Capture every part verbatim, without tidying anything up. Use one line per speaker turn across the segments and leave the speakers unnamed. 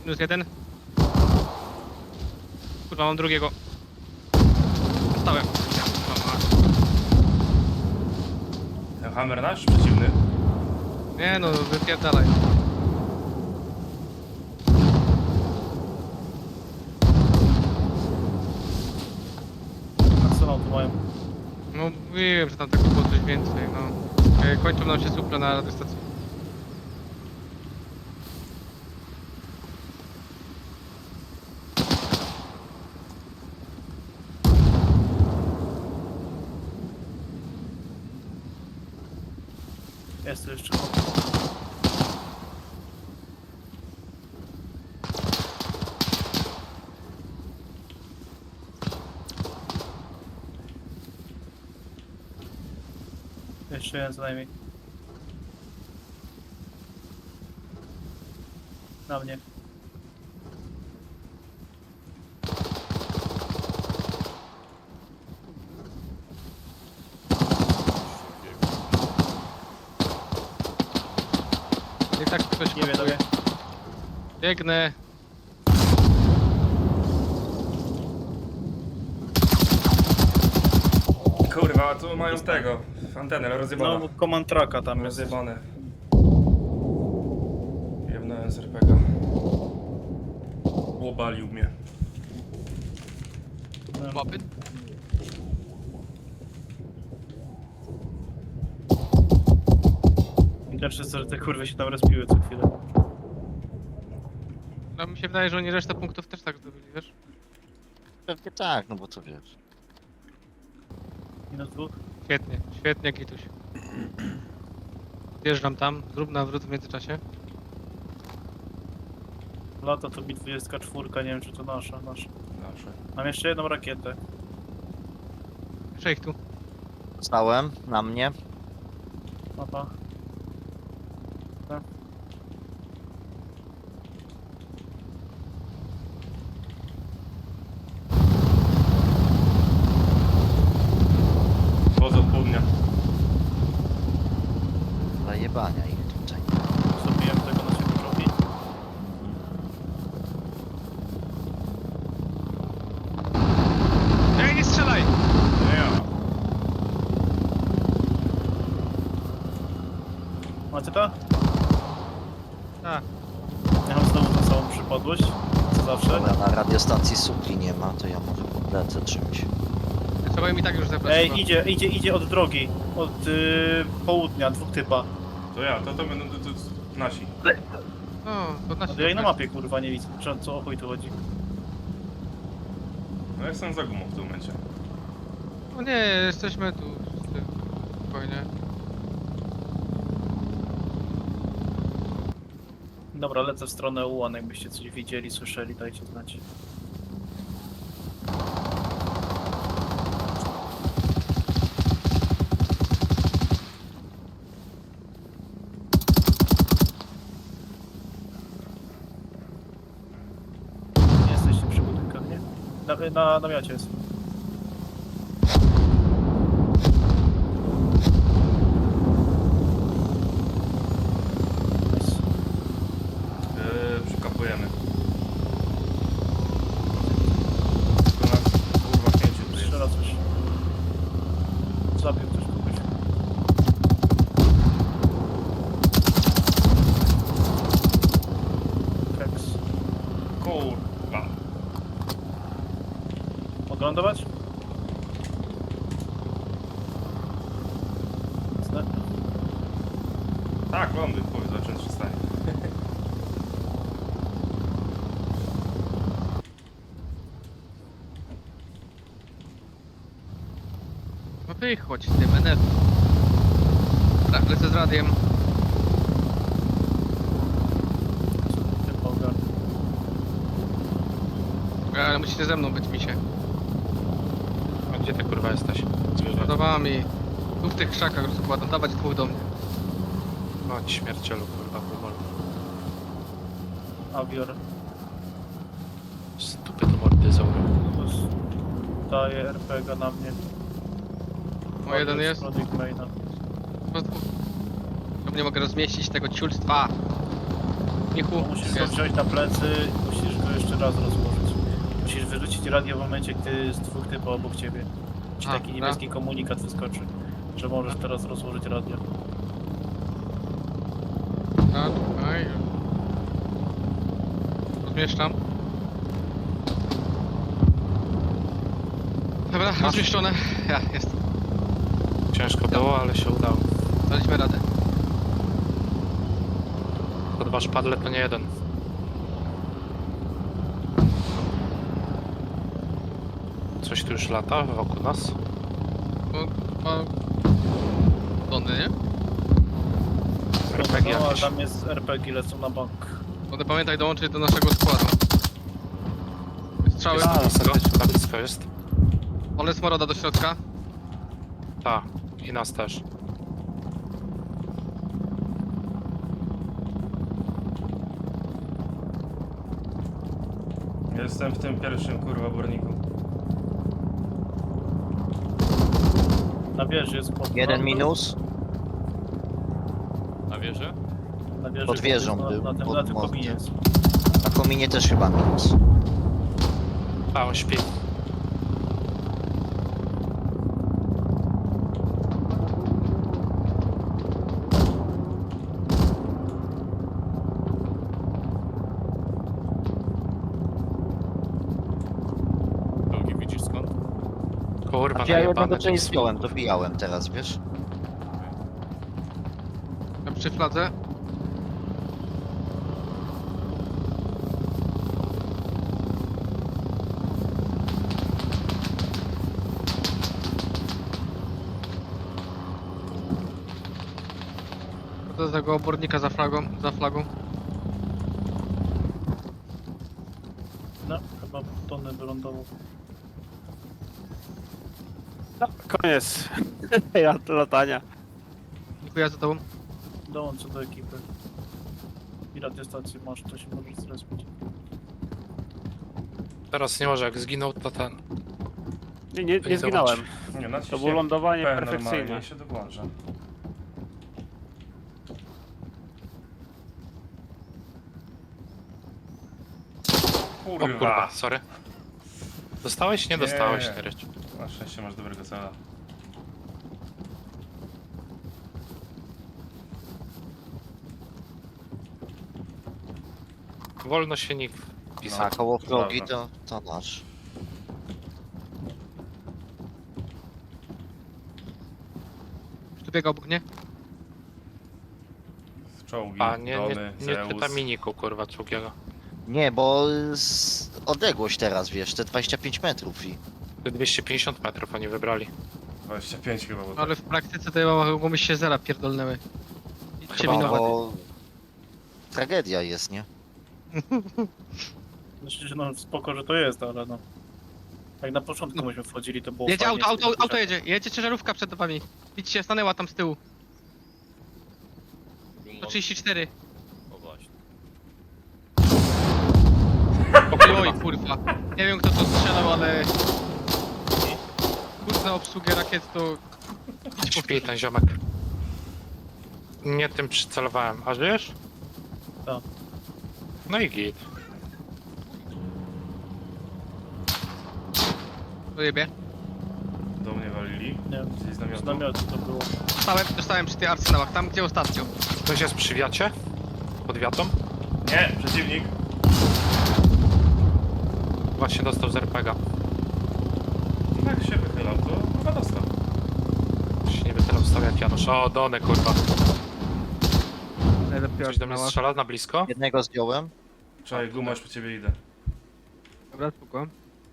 Minus jeden. Kurwa, mam drugiego. Dostałem.
Ten hammer nasz przeciwny.
Nie no, wypierdalaj.
Arsenal tu mają.
No mówiłem, że tam tego było coś więcej, no. E, Kończą nam się suple na radiostacji.
Jest tu jeszcze. Jeszcze jeden co najmniej. Na mnie.
I tak ktoś
Nie wiem,
kapuje. Biegnę.
Kurwa, tu mają tego. Antenę
No,
rozjebane.
bo command tracka tam jest.
Rozjebane. Jebnąłem z er pe ga. Łobalił mnie.
Łapy.
Widać, że te kurwy się tam respiły co chwilę.
No mi się wydaje, że oni resztę punktów też tak zdobyli, wiesz?
Pewnie tak, no bo co wiesz.
Minus dwóch.
Świetnie, świetnie Gituś. Zjeżdżam tam, zrób nawrót w międzyczasie.
Lata to mi dwudziestka cztery, nie wiem czy to nasza, nasza.
Dobrze.
Mam jeszcze jedną rakietę.
Jeszcze ich tu.
Stałem na mnie.
Mapa.
Woz od południa.
Zajebania ich tutaj.
Zrobiłem tego naszego drogi.
Ej, nie strzelaj!
Nie ja.
Macie to?
Tak.
Ja mam znowu tą samą przypadłość. Co zawsze.
Dobra, na radiostacji supli nie ma, to ja może podlecę czymś.
Trzeba im i tak już zebrać. chyba.
Ej, idzie, idzie, idzie od drogi. Od y, południa, dwóch typa.
To ja, to to będą to, to, to nasi.
No, to na
No ja i na mapie kurwa nie widzę. Czy, co o chuj tu chodzi?
No ja jestem za gumą w tym momencie.
No nie, jesteśmy tu wszyscy. Spokojnie.
Dobra, lecę w stronę ułan, jakbyście coś widzieli, słyszeli, dajcie znać. Nie jesteście przy budynkach, nie? Na, na namiocie jest. Nice.
Yy, przykapujemy. To nas kurwa pięciu tu jest.
Strzela coś. Zabił ktoś kogoś. Kreks.
Kurwa.
Oglądować? Zna-
Tak, lądy, powiedz o czym się stanie.
No wychodź z tym N F. Tak, lecę z radiem.
Typa ogarnął.
Ale musicie ze mną być, misie.
A gdzie ty kurwa jesteś?
Podobała mi. Tu w tych krzakach rozkładam, dawać dwóch do mnie.
Chodź śmiercielu kurwa powoli.
Avior.
Stupy to mordyzaury.
Plus daje er pe ga na mnie.
O, jeden jest.
Product maina.
Po prostu. Nie mogę rozmieścić tego ciulstwa. Michu,
Musisz go
jest.
wziąć na plecy, musisz go jeszcze raz rozłożyć. Musisz wyrzucić radio w momencie, gdy jest dwóch typów obok ciebie. Ci
A,
taki
no.
niebieski komunikat wyskoczy, że możesz teraz rozłożyć radio.
A, tutaj. Rozmieszczam. Dobra, rozmieszczone. Ja, jest.
Ciężko było, ale się udało.
Daliśmy radę.
To dwa szpadle to nie jeden. Coś tu już lata wokół nas.
No, ma... Tony, nie?
R P G
No, ale
jakieś.
tam jest R P G, lecą na bank.
Będę pamiętaj dołączyć do naszego składu. Strzały.
Jest na blisko, na blisko jest.
Ole smoroda do środka.
Tak, i nas też.
Jestem w tym pierwszym kurwa burniku.
Na wieży jest pod
Jeden
na-
minus.
Na wieży?
Na wieży
Pod wieżą
na,
był,
na, tym,
pod
na tym
mostem.
kominie jest.
Na kominie też chyba minus.
A, on śpi.
Drugi widzisz skąd?
Kurwa,
A ja jednego
najebane
część
te
zdjąłem, dobijałem teraz, wiesz?
Ja przy fladze. Do tego obornika za flagą, za flagą.
No, chyba Tony wylądował.
Koniec. Ja latania.
Dziękuję za tobą.
Dołączę do ekipy. I radiostację masz, to się możesz zrespić.
Teraz nie może, jak zginął, to ten.
Nie, nie,
To
nie
nie
zginąłem.
Nie, naciśnij
To było lądowanie
P
perfekcyjne.
normalnie i się dołącza.
O
Kurwa.
kurwa, sorry. Dostałeś? Nie
Nie.
dostałeś, nie ryć.
Na szczęście masz dobrego cela.
Wolno się nikt
A
pisał.
koło progi
Dobra.
to, to nasz.
Tu biega obok, nie?
Czołgi,
A, nie, nie,
drony,
nie
Zeus.
czyta miniku, kurwa, czugiego.
Nie, bo z... odległość teraz, wiesz, te dwadzieścia pięć metrów i...
dwieście pięćdziesiąt metrów oni wybrali.
dwadzieścia pięć chyba, bo
No, ale w praktyce to ja mogą się zera pierdolnęły. Idźcie
Chyba
mi
No,
na
bo... Tragedia jest, nie?
Znaczy, że no spoko, że to jest, ale no. Jak na początku myśmy wchodzili, to było
Jedzie
fajnie,
auto, auto,
z tym
auto
zbliżaniem.
jedzie. Jedzie ciężarówka przed wami. Widzicie, stanęła tam z tyłu. sto trzydzieści cztery.
O właśnie.
Oj kurwa. Nie wiem kto to strzelał, ale... Kurde obsługę rakiet to... Idź po
Śpi ten ziomek. Nie tym przycelowałem. A żyjesz?
Tak.
No i git.
Dojebie.
do mnie walili.
Nie,
Gdzieś z namiotu.
z namiotu to było.
Dostałem, dostałem przy tych arsenałach, tam gdzie ostatnio.
Ktoś jest przy wiacie? Pod wiatą?
Nie, przeciwnik.
Właśnie dostał z R P G.
Jak się wychylał, to chyba dostał.
Się nie wytylał stawiać Janusz. O, Dony, kurwa.
Najlepiej
Coś do mnie strzela na blisko?
Jednego zdjąłem.
Czekaj, gumasz po ciebie idę.
Dobra, spoko.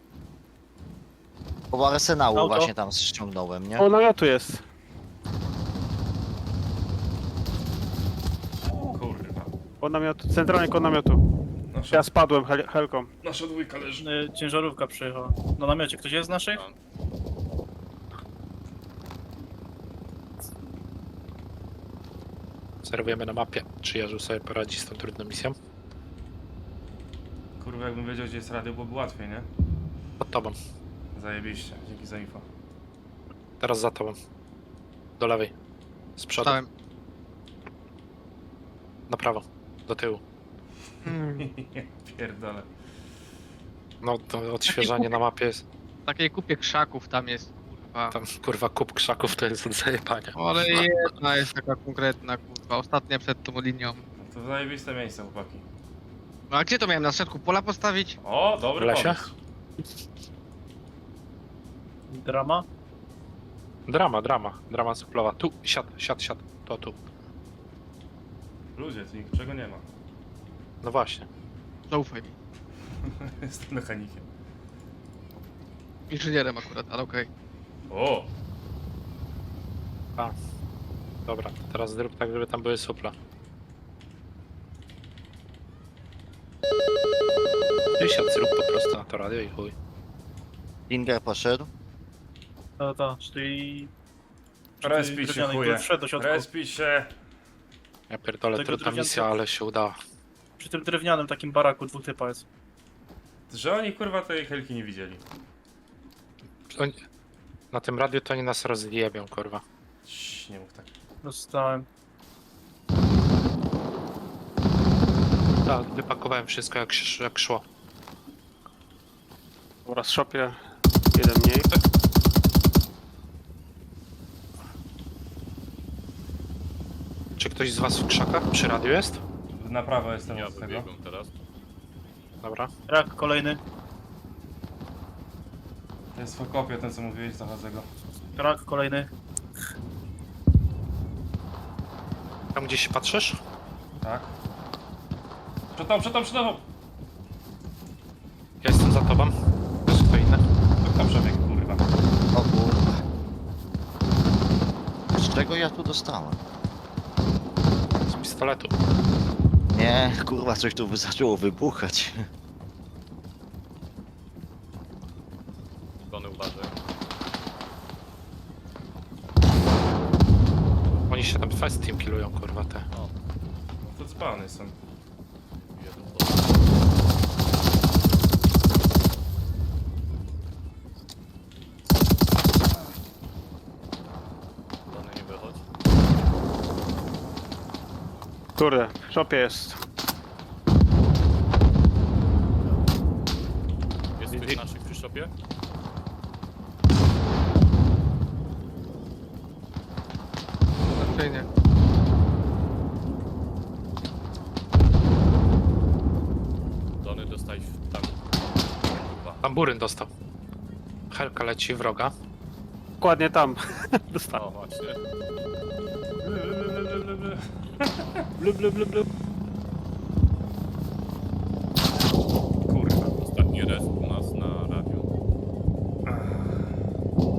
Koło arsenału
Auto.
właśnie tam ściągnąłem, nie?
O, namiotu jest.
Kurwa.
O namiotu, centralnie koło namiotu.
Nasza,
Ja spadłem hel helką.
nasza dwójka leży.
Y, Ciężarówka przyjechała. Na namiocie ktoś jest z naszych?
Serwujemy na mapie. Czy Jerzy sobie poradzi z tą trudną misją?
Kurwa, jakbym wiedział, gdzie jest radio, byłoby łatwiej, nie?
Pod tobą.
Zajebiście, dzięki za info.
Teraz za tobą. Do lewej. Z przodu.
Dostałem.
Na prawo. Do tyłu.
Pierdolę.
No to odświeżanie na mapie jest.
W takiej kupie krzaków tam jest, kurwa.
Tam kurwa kup krzaków to jest od zajebania.
Ale jedna jest taka konkretna, kurwa. Ostatnia przed tą linią.
No to zajebiste miejsce, chłopaki.
No a gdzie to miałem? Na środku pola postawić?
O, dobry
W lesie?
pomysł.
Drama?
Drama, drama, drama suplowa. Tu, siad, siad, siad. To tu.
Ludzie, tu niczego nie ma.
No właśnie.
Zaufaj mi.
Jestem mechanikiem.
Inżynierem akurat, ale okej.
O!
A. Dobra, to teraz zrób tak, żeby tam były supla. Ty siad, zrób po prostu na to radio i chuj.
Inger poszedł.
Ta, ta, czyli...
Respić się, chuje.
Wszedł do środka.
Respić się.
Ja pierdolę,
Tego
trudna
drewnianka-
misja, ale się udała.
Przy tym drewnianym takim baraku dwóch typa jest.
Że oni kurwa tej helki nie widzieli.
Oni... Na tym radiu to oni nas rozjebią, kurwa.
Cii, nie mów tak.
Dostałem.
Tak, wypakowałem wszystko jak, sz- jak szło.
Dobra, z shopie. Jeden mniej.
Czy ktoś z was w krzakach przy radiu jest?
Na prawo jestem
Ja
od tego.
wybiegłem teraz.
Dobra.
Rak kolejny.
To jest fokopia, ten co mówiłeś, zachodzę go.
Rak kolejny.
Tam gdzieś się patrzysz?
Tak. Przed tobą, przed tobą, przed tobą!
Ja jestem za tobą. Jest kto inny?
To tam przebieg, kurwa.
O kurwa. Z czego ja tu dostałem?
Z pistoletu.
Nie, kurwa, coś tu zaczęło wybuchać.
Tony uważaj.
Oni się tam fest team killują, kurwa, te.
O,
To spawny są.
jeden to. Tony nie wychodź.
Kurde, w shopie jest.
Jest ktoś naszych przy shopie?
Raczej nie.
Tony dostałeś w tam. Kurwa.
Tam buryn dostał. Helka leci, wroga.
Dokładnie tam. Dostałem.
O właśnie.
Blub, blub, blub, blub.
Kurwa.
Ostatni res.